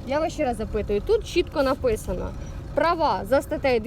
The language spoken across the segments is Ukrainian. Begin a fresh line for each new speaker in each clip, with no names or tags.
Я вас ще раз запитую, тут чітко написано: права за статтею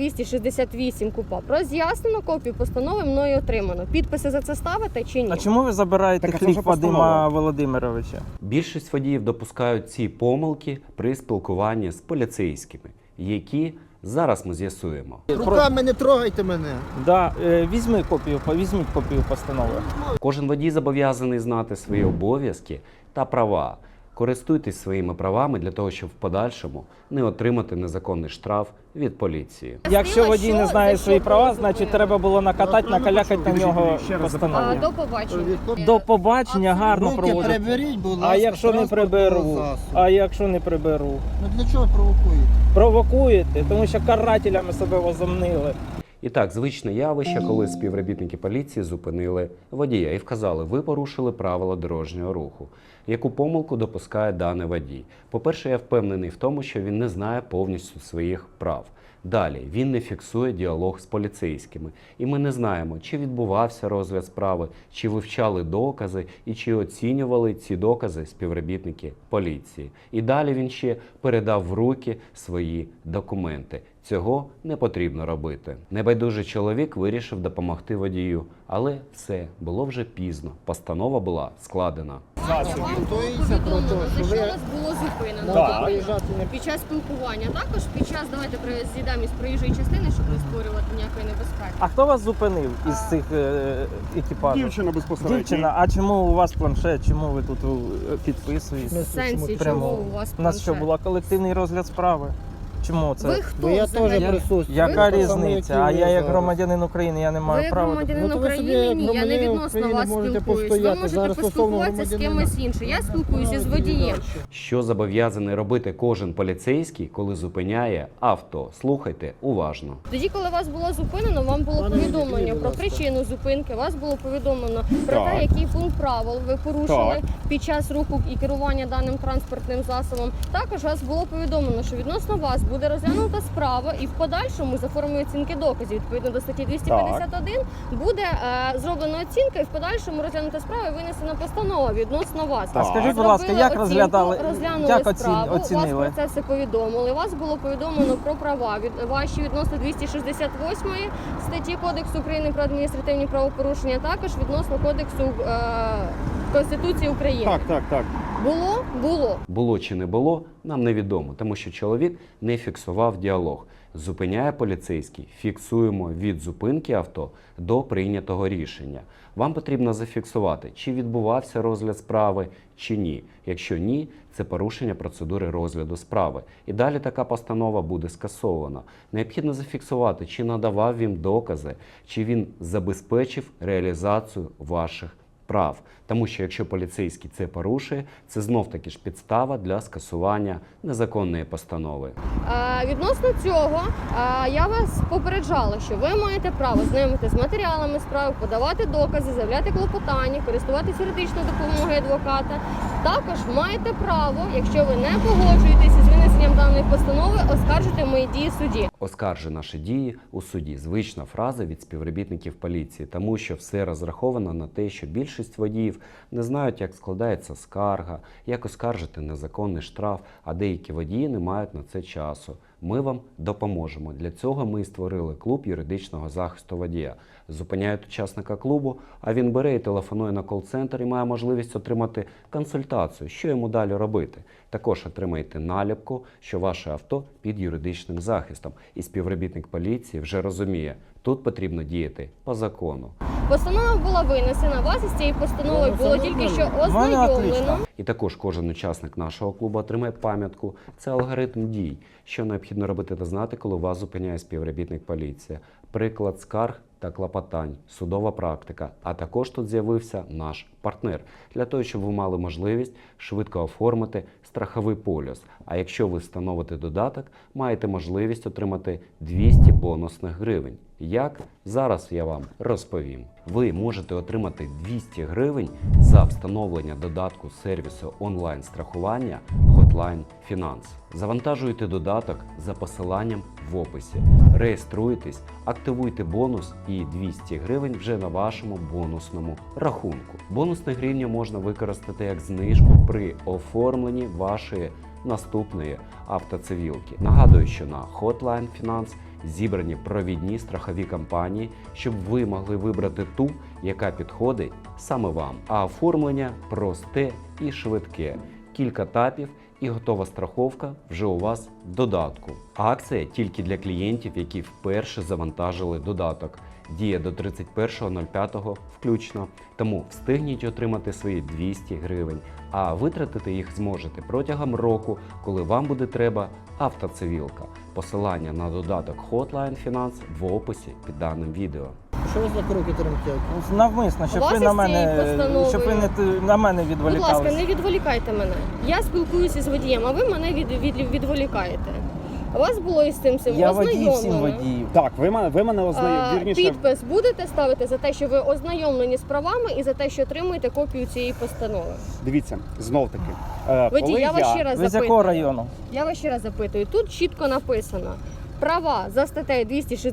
268 КУпАП роз'яснено, копію постанови мною отримано. Підписи за це ставите чи ні?
А чому ви забираєте
Так, а це
хліб
вже постанова.
Вадима Володимировича?
Більшість водіїв допускають ці помилки при спілкуванні з поліцейськими, які зараз ми з'ясуємо.
Руками не трогайте мене.
Да, візьміть копію постанови.
Кожен водій зобов'язаний знати свої обов'язки та права. Користуйтесь своїми правами для того, щоб в подальшому не отримати незаконний штраф від поліції.
Якщо водій не знає
за
свої
що
права,
зупинили?
значить треба було накатати, накалякати на нього постанову.
До побачення.
До побачення, гарно
Руки
проводити.
приберіть, будь ласка.
А якщо не
транспортного
приберу?
засобу.
А якщо не приберу?
Ну для чого провокуєте?
Провокуєте, тому що карателями себе возомнили.
І так, звичне явище, коли співробітники поліції зупинили водія і вказали: ви порушили правила дорожнього руху. Яку помилку допускає даний водій? По-перше, я впевнений в тому, що він не знає повністю своїх прав. Далі, він не фіксує діалог з поліцейськими. І ми не знаємо, чи відбувався розгляд справи, чи вивчали докази і чи оцінювали ці докази співробітники поліції. І далі він ще передав в руки свої документи. Цього не потрібно робити. Небайдужий чоловік вирішив допомогти водію, але все, було вже пізно. Постанова була складена.
Вам було повідомлено, за що вас було зупинено.
Так.
Тобто, під час спілкування. Також під час, давайте з'їдемо із проїжджої частини, щоб не створювати ніякої небезпеки.
А хто вас зупинив із цих екіпажів?
Дівчина безпосередньо.
Дівчина, а чому у вас планшет? Чому ви тут підписуєте?
В сенсі,
Прямо.
чого у вас
У нас що,
планшет?
була колективний розгляд справи? Чому це?
Ви хто
Бо я
взагалі?
теж присутствую.
Яка
Ви
різниця? А я як громадянин України, я не
Ви
маю
як
права.
громадянин
Ну, то ви собі,
України,
як
ні, я не
громадянин
відносно
України,
вас
можете
спілкуюсь. Ви
постояти.
можете
Зараз стосовно
поспілкуватися з
громадянина.
кимось іншим. Я спілкуюся з водієм.
Що зобов'язаний робити кожен поліцейський, коли зупиняє авто? Слухайте уважно.
Тоді, коли вас було зупинено, вам було
Пане
повідомлено
Юрію, будь
про
ласка.
причину зупинки, вас було повідомлено про
Так.
те, який пункт правил ви порушили
Так.
під час руху і керування даним транспортним засобом. Також вас було повідомлено, що відносно вас буде розглянута справа і в подальшому за формою оцінки доказів, відповідно до статті 251, буде зроблена оцінка і в подальшому розглянута справа і винесена постанова відносно вас.
А скажіть, будь ласка,
Зробили
як
оцінку,
розглядали,
розглянули
як
справу,
оцінили?
вас про це все повідомили. Вас було повідомлено про права ваші відносно 268 статті Кодексу України про адміністративні правопорушення, також відносно Кодексу Конституції України.
Так.
Було? Було.
Було чи не було, нам невідомо, тому що чоловік не фіксував діалог. Зупиняє поліцейський, фіксуємо від зупинки авто до прийнятого рішення. Вам потрібно зафіксувати, чи відбувався розгляд справи, чи ні. Якщо ні, це порушення процедури розгляду справи. І далі така постанова буде скасована. Необхідно зафіксувати, чи надавав він докази, чи він забезпечив реалізацію ваших прав. Тому що якщо поліцейський це порушує, це знов-таки ж підстава для скасування незаконної постанови.
Відносно цього, я вас попереджала, що ви маєте право знайомитися з матеріалами справи, подавати докази, заявляти клопотання, користуватися юридичною допомогою адвоката. Також маєте право, якщо ви не погоджуєтеся з винесенням даної постанови, оскаржити мої дії в суді.
Оскаржи наші дії у суді. Звична фраза від співробітників поліції, тому що все розраховано на те, що більшість водіїв не знають, як складається скарга, як оскаржити незаконний штраф, а деякі водії не мають на це часу. Ми вам допоможемо. Для цього ми і створили клуб юридичного захисту водія. Зупиняють учасника клубу, а він бере і телефонує на кол-центр і має можливість отримати консультацію, що йому далі робити. Також отримаєте наліпку, що ваше авто під юридичним захистом. І співробітник поліції вже розуміє, тут потрібно діяти по закону.
Постанова була винесена, вас із цією постановою було тільки що ознайомлено.
І також кожен учасник нашого клубу отримає пам'ятку. Це алгоритм дій, що необхідно робити та знати, коли вас зупиняє співробітник поліції. Приклад скарг та клопотань, судова практика, а також тут з'явився наш партнер, для того, щоб ви мали можливість швидко оформити страховий поліс. А якщо ви встановите додаток, маєте можливість отримати 200 бонусних гривень. Як? Зараз я вам розповім. Ви можете отримати 200 гривень за встановлення додатку сервісу онлайн-страхування Hotline Finance. Завантажуйте додаток за посиланням в описі, реєструйтесь, активуйте бонус і 200 гривень вже на вашому бонусному рахунку. Бонусні гривні можна використати як знижку при оформленні вашої наступної автоцивілки. Нагадую, що на Hotline Finance зібрані провідні страхові компанії, щоб ви могли вибрати ту, яка підходить саме вам. А оформлення просте і швидке. Кілька тапів і готова страховка вже у вас в додатку. Акція тільки для клієнтів, які вперше завантажили додаток. Діє до 31.05 включно, тому встигніть отримати свої 200 гривень, а витратити їх зможете протягом року, коли вам буде треба автоцивілка. Посилання на додаток Hotline Finance в описі під даним відео.
Що ви за кроки тремтять?
Навмисно, щоб
Вас
ви
із
на
цією
мене,
постановою-
щоб ви на мене
Будь ласка,
відволікалися.
не відволікайте мене. Я спілкуюся з водієм, а ви мене відволікаєте. Вас було із цим
Я водій всім
ознайомлено.
водіїв.
Так, ви мене ознайомили. Вірніше,
Підпис будете ставити за те, що ви ознайомлені з правами і за те, що отримуєте копію цієї постанови.
дивіться, знов таки.
Водій,
Коли
я вас ще раз
Ви з якого
запитую.
району?
Я вас ще раз запитую. Тут чітко написано: права за статтею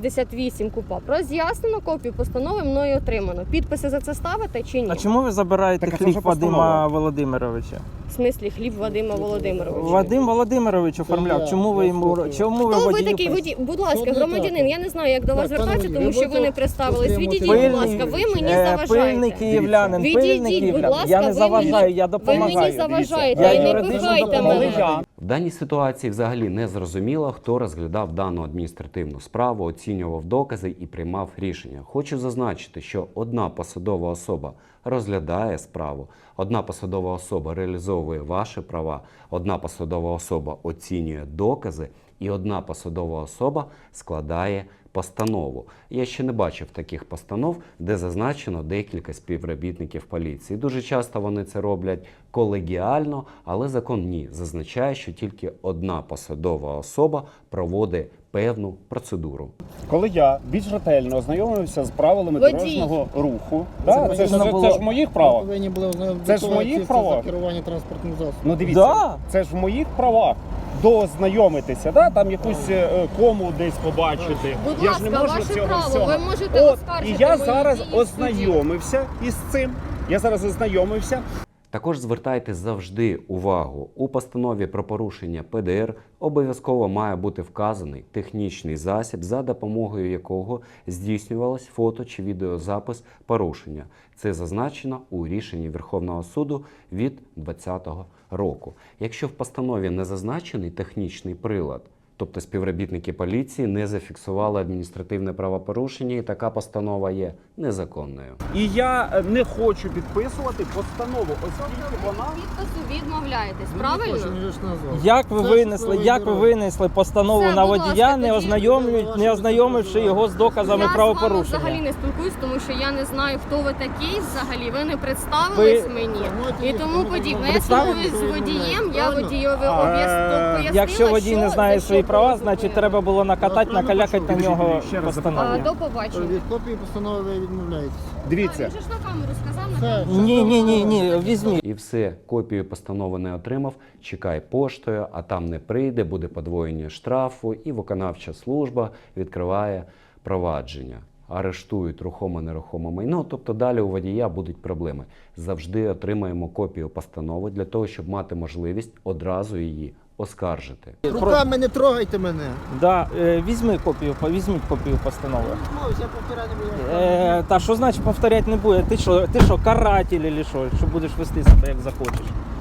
268 КУПАП роз'яснено, копію постанови мною отримано. Підписи за це ставите чи ні?
А чому ви забираєте
Так, а це
хліб
вже постанова.
Вадима Володимировича?
В смислі хліб Вадима Володимировича?
Вадим Володимирович оформляв.
я.
Чому ви
Я
йому
слухаю.
чому ви
Хто ви
водію
такий водій? Будь ласка,
Що не
громадянин,
так?
я не знаю, як до вас
Так, пане
звертатися,
водій,
тому
ви
що ви не
будете
представились.
отримувати
Відійдіть, будь
Пильний-
ласка, ви мені
пильний
заважаєте.
київлянин,
Відійдіть,
пильний
будь
київлянин.
ласка,
Я не
ви
заважаю,
мені-
я
Ви
допомагаю.
мені заважаєте,
Я
і не
юридично
пихайте
допомагаю.
мене.
В даній ситуації взагалі не зрозуміло, хто розглядав дану адміністративну справу, оцінював докази і приймав рішення. Хочу зазначити, що одна посадова особа розглядає справу, одна посадова особа реалізовує ваші права, одна посадова особа оцінює докази і одна посадова особа складає постанову. Я ще не бачив таких постанов, де зазначено декілька співробітників поліції. Дуже часто вони це роблять колегіально, але закон ні. Зазначає, що тільки одна посадова особа проводить певну процедуру.
коли я більш ретельно ознайомився з правилами
Водій.
дорожнього руху,
Це
це
потрібно
ж
було-
в моїх
Ви
правах.
повинні були
Це ж в моїх правах.
за керування транспортним засобом.
Ну дивіться,
Да.
це ж в моїх правах. Доознайомитися, там якусь кому десь побачити.
Будь
Я ж не
ласка,
можу
ваше
цього
право,
всього.
ви можете
От,
оскаржити
і я
мої
зараз
дії в суді.
ознайомився із цим. Я зараз ознайомився.
Також звертайте завжди увагу, у постанові про порушення ПДР обов'язково має бути вказаний технічний засіб, за допомогою якого здійснювалось фото чи відеозапис порушення. Це зазначено у рішенні Верховного суду від 2020 року. Якщо в постанові не зазначений технічний прилад, тобто співробітники поліції не зафіксували адміністративне правопорушення, і така постанова є незаконною.
І я не хочу підписувати постанову, оскільки вона.
Підпису відмовляєтесь,
Він
правильно?
не хоче, він же ж назвав.
Як ви
Це
винесли,
ж
як ви
правовий
винесли постанову
Все,
на
будь ласка,
водія,
тоді-
не ознайомивши його з доказами
Я з вами
правопорушення?
взагалі не спілкуюсь, тому що я не знаю, хто ви такий взагалі. Ви не представились
Ви-
мені
Давайте
і
їх
тому
будемо
подібне. Я
представити,
спілкуюсь з водієм, я
правильно?
водійові пояснила,
Якщо водій не знає
за
свої
що
права,
було
значить
зупинено.
треба було накатати, накалякати на нього
Ще раз
постанову.
До побачення.
Від копії постанови ви відмовляєтесь.
Дивіться,
Він же ж на камеру сказав, на
Все.
камеру.
Ні, візьміть.
І все, копію постанови не отримав, чекай поштою, а там не прийде, буде подвоєння штрафу, і виконавча служба відкриває провадження. Арештують рухоме-нерухоме майно, тобто далі у водія будуть проблеми. Завжди отримаємо копію постанови для того, щоб мати можливість одразу її оскаржити.
Руками не трогайте мене.
Да, візьміть копію постанови.
Я повторяю не буду.
Та що значить повторяти не буде? Ти що, каратель чи що будеш вести себе як захочеш?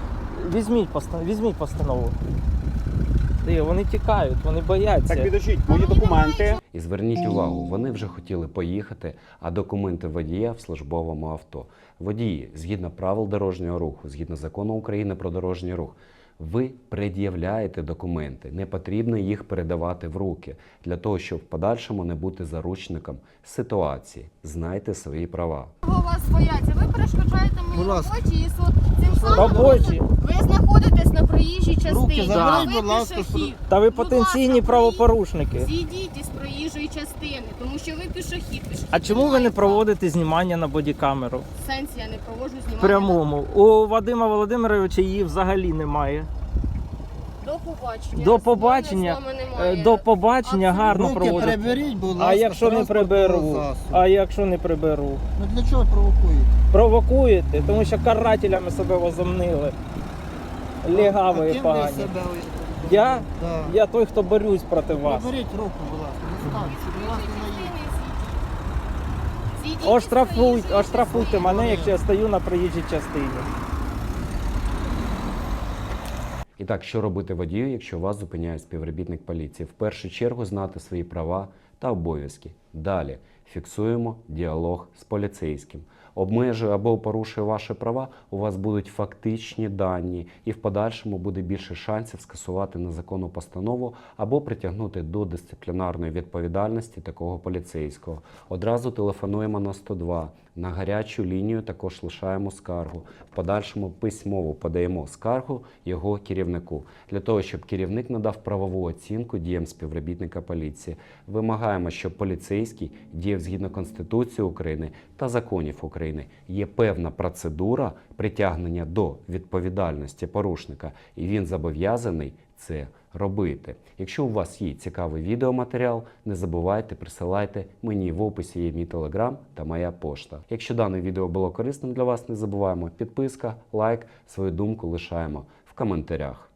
Візьміть постанову. Вони тікають, вони бояться.
так підождіть, мої документи.
І зверніть увагу, вони вже хотіли поїхати, а документи водія в службовому авто. Водії, згідно правил дорожнього руху, згідно закону України про дорожній рух, ви пред'являєте документи, не потрібно їх передавати в руки, для того, щоб в подальшому не бути заручником ситуації. Знайте свої права.
Чого вас бояться? Ви перешкоджаєте моїй
Будь ласка.
роботі і цим самим
Робочі.
ви знаходитесь на проїжджій частині.
заберіть,
Ви
будь ласка,
пішохід.
Та ви
Будь
потенційні
ласка,
правопорушники.
Зійдіть із проїжджої частини, тому що ви пішохід.
А чому ви не проводите знімання на бодікамеру?
В сенсі я не проводжу знімання.
В прямому. У Вадима Володимировича її взагалі немає.
До побачення.
До побачення,
Розмови з вами немає.
до побачення
Абсолютно.
гарно
Руки
проводите.
приберіть, будь ласка.
А якщо не
транспортного
приберу?
засобу.
А якщо не приберу?
Ну для чого провокуєте?
Провокуєте, тому що карателями себе возомнили. легаві
А ким ви
погані.
себе
Я?
Да.
Я той, хто борюсь проти вас.
Приберіть руку, будь ласка, не ставте, будь ласка, на її.
Оштрафуйте мене, якщо я стою на проїжджій частині.
І так, що робити водію, якщо вас зупиняє співробітник поліції? В першу чергу знати свої права та обов'язки. Далі фіксуємо діалог з поліцейським. Обмежує або порушує ваші права, у вас будуть фактичні дані, і в подальшому буде більше шансів скасувати незаконну постанову або притягнути до дисциплінарної відповідальності такого поліцейського. Одразу телефонуємо на 102. На гарячу лінію також лишаємо скаргу. В подальшому письмово подаємо скаргу його керівнику. Для того, щоб керівник надав правову оцінку діям співробітника поліції. Вимагаємо, щоб поліцейський діяв згідно Конституції України та законів України. Є певна процедура притягнення до відповідальності порушника, і він зобов'язаний це робити. Якщо у вас є цікавий відеоматеріал, не забувайте, присилайте мені, в описі є мій телеграм та моя пошта. Якщо дане відео було корисним для вас, не забуваємо підписка, лайк, свою думку лишаємо в коментарях.